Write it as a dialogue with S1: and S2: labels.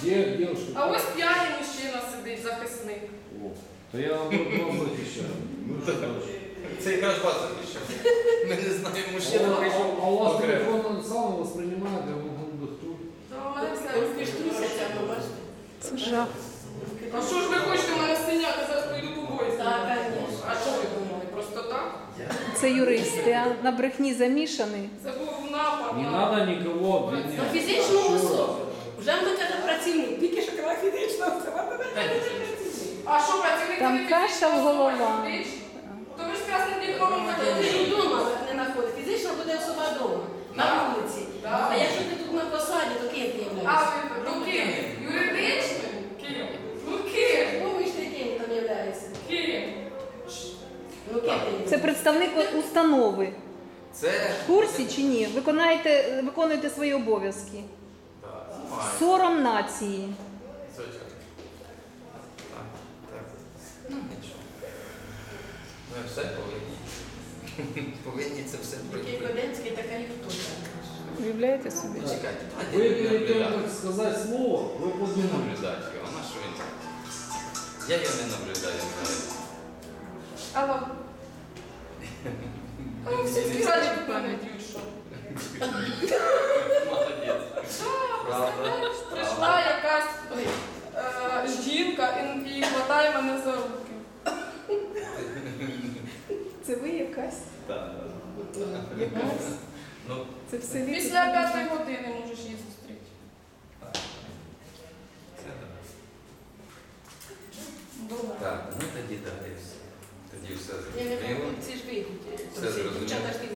S1: Є дівчинка.
S2: А ось п'яний мужчина сидить, захисник.
S1: О, то я вам захищаю. Ну що дальше?
S3: Це якраз вас захищає. Ми не знаємо, мужчина прийшов.
S1: А у вас
S3: окремо.
S1: телефон сам воспринимает, я вам дохту.
S2: Та у мене все
S4: Руки ж трусяться, ви бачите?
S5: Це жах.
S2: А що ж ви хочете, у мене синяк, я зараз пойду побою.
S4: Так, звісно.
S2: А що ви думали? Просто так?
S5: Це юристи, а на брехні замішані.
S2: Це був напад.
S1: Не
S2: на-
S1: надо никого
S4: На
S1: обвинять.
S4: фізичну особу. Вже ми каже працівник, тільки що казала фізична особа.
S2: А що, працівник
S5: Там
S2: не
S5: каша
S2: фізична
S5: в
S2: особа,
S5: голова.
S2: юридична? То ви ж красним дипломом
S4: Ти
S2: хотіли.
S4: ж вдома не знаходиш. Фізично буде особа вдома, на вулиці.
S2: Так.
S4: А якщо ти тут на посаді, то ким ти
S2: А
S4: являєшся?
S2: ви ну ким? Юридичним? Ким? Ну ким?
S4: Думаєш, ти ким там являєшся?
S2: Ким?
S4: Ну ким ти?
S5: Це представник установи.
S3: Це...
S5: В курсі чи ні? Виконуєте свої обов'язки.
S3: Так, знімаю.
S5: Сором нації.
S3: Звичайно. Так, так. Ну, нічого. Ми все повинні. Повинні це все
S4: Який
S3: пройти.
S4: Коденський, така і хто там.
S5: Уявляєте собі?
S3: Чекайте,
S1: Вы
S3: давайте не
S1: перед тем,
S3: наблюдати.
S1: как сказать слово, вы
S3: Не
S1: подумали.
S3: наблюдати його, на що він? Я його не наблюдаю взагалі.
S2: Алло. Ну, всі співають пам'ятають, що.
S3: Молодець. Правда.
S2: Прийшла якась жінка і хватає мене за руки.
S5: Це ви якась?
S3: Так.
S5: Якась?
S3: Ну,
S5: Це в селі?
S2: Після 5 години можеш її зустріти.
S3: це так.
S2: Добре.
S3: Так, ну тоді далі все. Тоді все
S4: Я не
S3: зрозуміло.
S4: ці ж ви.
S3: Все зрозуміло.
S4: Дівчата ж